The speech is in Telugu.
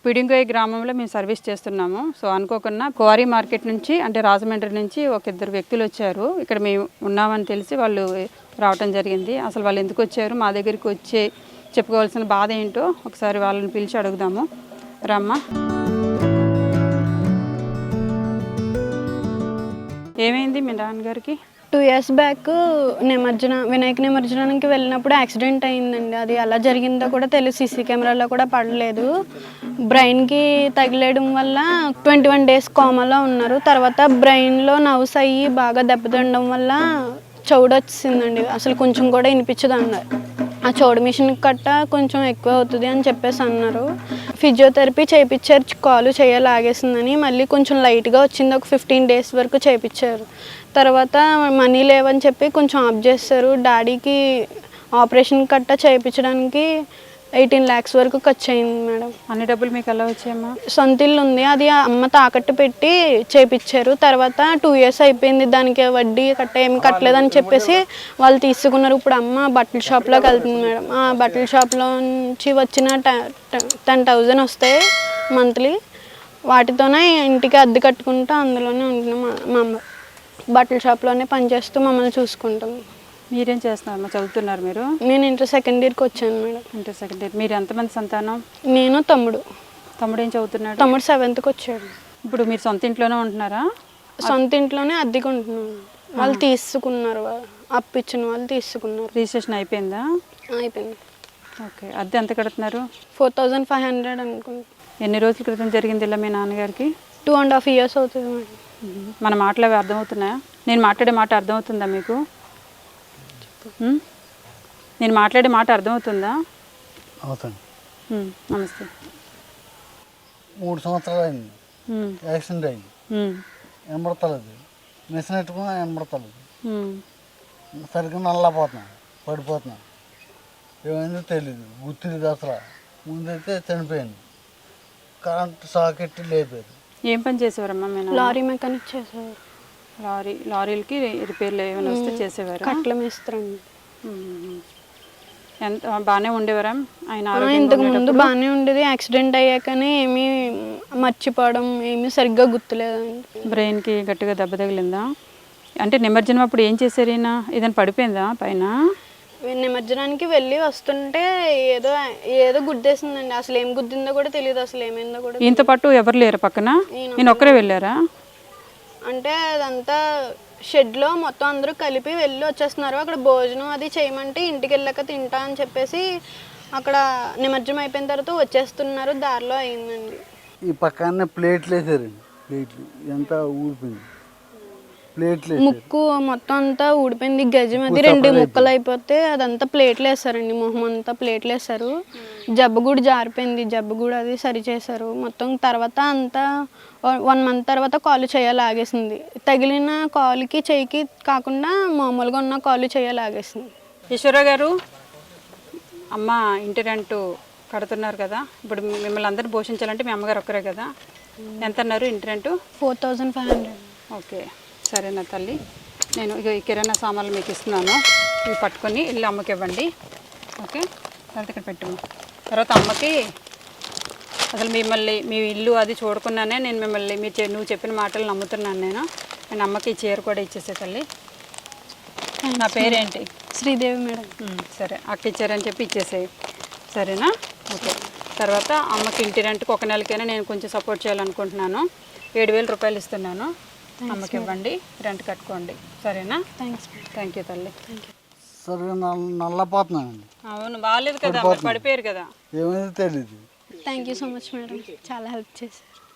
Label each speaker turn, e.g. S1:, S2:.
S1: పిడింగోయ్ గ్రామంలో మేము సర్వీస్ చేస్తున్నాము. సో అనుకోకుండా క్వారీ మార్కెట్ నుంచి అంటే రాజమండ్రి నుంచి ఒక ఇద్దరు వ్యక్తులు వచ్చారు. ఇక్కడ మేము ఉన్నామని తెలిసి వాళ్ళు రావటం జరిగింది. అసలు వాళ్ళు ఎందుకు వచ్చారు, మా దగ్గరికి వచ్చి చెప్పుకోవాల్సిన బాధ ఏంటో ఒకసారి వాళ్ళని పిలిచి అడుగుదాము. రమ్మా. ఏమైంది మీ నాన్నగారికి?
S2: 2 years బ్యాక్ వినాయక నిమజ్జనానికి వెళ్ళినప్పుడు యాక్సిడెంట్ అయిందండి. అది ఎలా జరిగిందో కూడా తెలియదు, సీసీ కెమెరాలో కూడా పడలేదు. బ్రెయిన్కి తగిలేయడం వల్ల 21 days కోమాలో ఉన్నారు. తర్వాత బ్రెయిన్లో నర్వ్స్ అయ్యి బాగా దెబ్బతినడం వల్ల చెవుడు వచ్చిందండి, అసలు కొంచెం కూడా వినిపించదు అన్నారు. ఆ చెవుడు మిషన్ కట్ట కొంచెం ఎక్కువ అవుతుంది అని చెప్పేసి అన్నారు. ఫిజియోథెరపీ చేయించారు, కాలు చేయలాగేసిందని. మళ్ళీ కొంచెం లైట్గా వచ్చింది, ఒక 15 days వరకు చేయించారు. తర్వాత మనీ లేవని చెప్పి కొంచెం ఆఫ్ చేస్తారు. డాడీకి ఆపరేషన్ కట్ట చేయించడానికి 18 lakhs వరకు ఖర్చు అయింది మేడం.
S1: అన్ని డబ్బులు మీకు ఎలా వచ్చాయమ్మా?
S2: సొంత ఇల్లు ఉంది, అది అమ్మ తాకట్టు పెట్టి చేయించారు. తర్వాత 2 years అయిపోయింది, దానికి వడ్డీ కట్ట ఏమి కట్టలేదని చెప్పేసి వాళ్ళు తీసుకున్నారు. ఇప్పుడు అమ్మ బట్టల షాప్లోకి వెళ్తుంది మేడం. ఆ బట్టల షాప్లో నుంచి వచ్చిన 10,000 వస్తాయి మంత్లీ. వాటితోనే ఇంటికి అద్దె కట్టుకుంటూ అందులోనే ఉంటున్నాం. మా అమ్మ బట్టల షాప్లోనే పనిచేస్తూ మమ్మల్ని చూసుకుంటాం.
S1: మీరేం చేస్తున్నారు? చదువుతున్నారు మీరు?
S2: నేను ఇంటర్ సెకండ్ ఇయర్కి వచ్చాను మేడం.
S1: Inter second year. మీరు ఎంతమంది సంతానం?
S2: నేను తమ్ముడు.
S1: తమ్ముడు ఏం చదువుతున్నాడు?
S2: తమ్ముడు 7th వచ్చాడు.
S1: ఇప్పుడు మీరు సొంత ఇంట్లోనే ఉంటున్నారా?
S2: సొంత ఇంట్లోనే అద్దెకి ఉంటున్నాను. వాళ్ళు తీసుకున్నారు, అప్పు ఇచ్చిన వాళ్ళు తీసుకున్నారు.
S1: రిజిస్ట్రేషన్ అయిపోయిందా?
S2: అయిపోయింది.
S1: ఓకే. అద్దె ఎంత కడుతున్నారు?
S2: 4,500 అనుకుంటా.
S1: ఎన్ని రోజుల క్రితం జరిగింది ఇలా మీ నాన్నగారికి?
S2: 2.5 years అవుతుంది మేడం.
S1: మన మాటలు అవి అర్థమవుతున్నాయా? నేను మాట్లాడే మాట అర్థమవుతుందా మీకు? నేను మాట్లాడే మాట అర్థమవుతుందా?
S3: అవుతుంది.
S1: నమస్తే.
S3: 3 సంవత్సరాలు అయింది యాక్సిడెంట్ అయింది. ఎంబడతలేదు, మిషన్ పెట్టుకున్నా ఎంబడతలేదు. సరిగ్గా నల్లపోతున్నాను, పడిపోతున్నాను. ఏమైందో తెలీదు, గుర్తులేదు అసలు. ముందైతే చనిపోయాను, కరెంట్ సాకెట్ లేపారు.
S1: ఏం పని చేసేవారమ్మా? మేము
S2: లారీ మెకానిక్ చేసేవారు.
S1: లారీలకి రిపేర్లు ఏమైనా వస్తే చేసేవారు?
S2: కట్ల మేస్త్రండి.
S1: ఎంత బాగానే ఉండేవారా ఆయన?
S2: ఇంతకు ముందు బాగానే ఉండేది, యాక్సిడెంట్ అయ్యాకనే ఏమీ మర్చిపోవడం, ఏమీ సరిగ్గా గుర్తులేదండి.
S1: బ్రెయిన్కి గట్టిగా దెబ్బ తగిలిందా? అంటే నిమజ్జనం అప్పుడు ఏం చేశారు ఈయన? ఏదైనా పడిపోయిందా పైన?
S2: నిమజ్జనానికి వెళ్ళి వస్తుంటే ఏదో ఏదో గుద్దేసిందండి. అసలు ఏం గుద్దిందో కూడా తెలియదు, అసలు ఏమైందో కూడా.
S1: ఇంత పాటు ఎవరు లేరు పక్కన? నేను ఒక్కరే వెళ్ళారా?
S2: అంటే అదంతా షెడ్లో మొత్తం అందరూ కలిపి వెళ్ళి వచ్చేస్తున్నారు. అక్కడ భోజనం అది చేయమంటే ఇంటికి వెళ్ళాక తింటా అని చెప్పేసి అక్కడ నిమజ్జనం అయిపోయిన తర్వాత వచ్చేస్తున్నారు. దారిలో అయిందండి.
S3: ఈ పక్కనే ప్లేట్లు వేసారండి. ప్లేట్లు ఎంత ఊడిపోయింది, ప్లేట్లు
S2: ముక్కు మొత్తం అంతా ఊడిపోయింది. గజం అది 2 ముక్కలు అయిపోతే అదంతా ప్లేట్లు వేసారండి. మొహం అంతా ప్లేట్లు వేసారు. జబ్బు కూడా జారిపోయింది, జబ్బు కూడా అది సరి చేశారు మొత్తం. తర్వాత అంతా 1 month తర్వాత కాలు చేయలాగేసింది. తగిలిన కాలుకి చెయ్యికి కాకుండా మామూలుగా ఉన్న కాలు చేయలాగేసింది.
S1: ఈశ్వర గారు, అమ్మ ఇంటి రెంట్ కడుతున్నారు కదా, ఇప్పుడు మిమ్మల్ని అందరూ పోషించాలంటే మీ అమ్మగారు ఒక్కరే కదా, ఎంత అన్నారు ఇంటి రెంట్?
S2: 4,500.
S1: ఓకే, సరేనా తల్లి. నేను ఇక ఈ కిరాణా సామాన్లు మీకు ఇస్తున్నాను, ఇవి పట్టుకొని ఇల్లు అమ్మకి ఇవ్వండి. ఓకే, తర్వాత ఇక్కడ పెట్టము. తర్వాత అమ్మకి అసలు మీ ఇల్లు అది చూడకుండానే నేను మిమ్మల్ని నువ్వు చెప్పిన మాటలు నమ్ముతున్నాను. నేను అమ్మకి ఈ చీర కూడా ఇచ్చేసే తల్లి. నా పేరేంటి?
S2: శ్రీదేవి మేడం.
S1: సరే, అక్క ఇచ్చారని చెప్పి ఇచ్చేసేయి, సరేనా? ఓకే. తర్వాత అమ్మకి ఇంటి రెంట్కి 1 నెలకైనా నేను కొంచెం సపోర్ట్ చేయాలనుకుంటున్నాను. 7,000 రూపాయలు ఇస్తున్నాను, అమ్మకి ఇవ్వండి, రెంట్ కట్టుకోండి, సరేనా? థ్యాంక్ యూ తల్లి.
S3: సరిగా నల్లపోతున్నానండి.
S1: అవును, బాగాలేదు కదా, పడిపోయారు కదా.
S3: ఏమైందో తెలీదు.
S2: Thank you so much madam, చాలా హెల్ప్ చేశారు.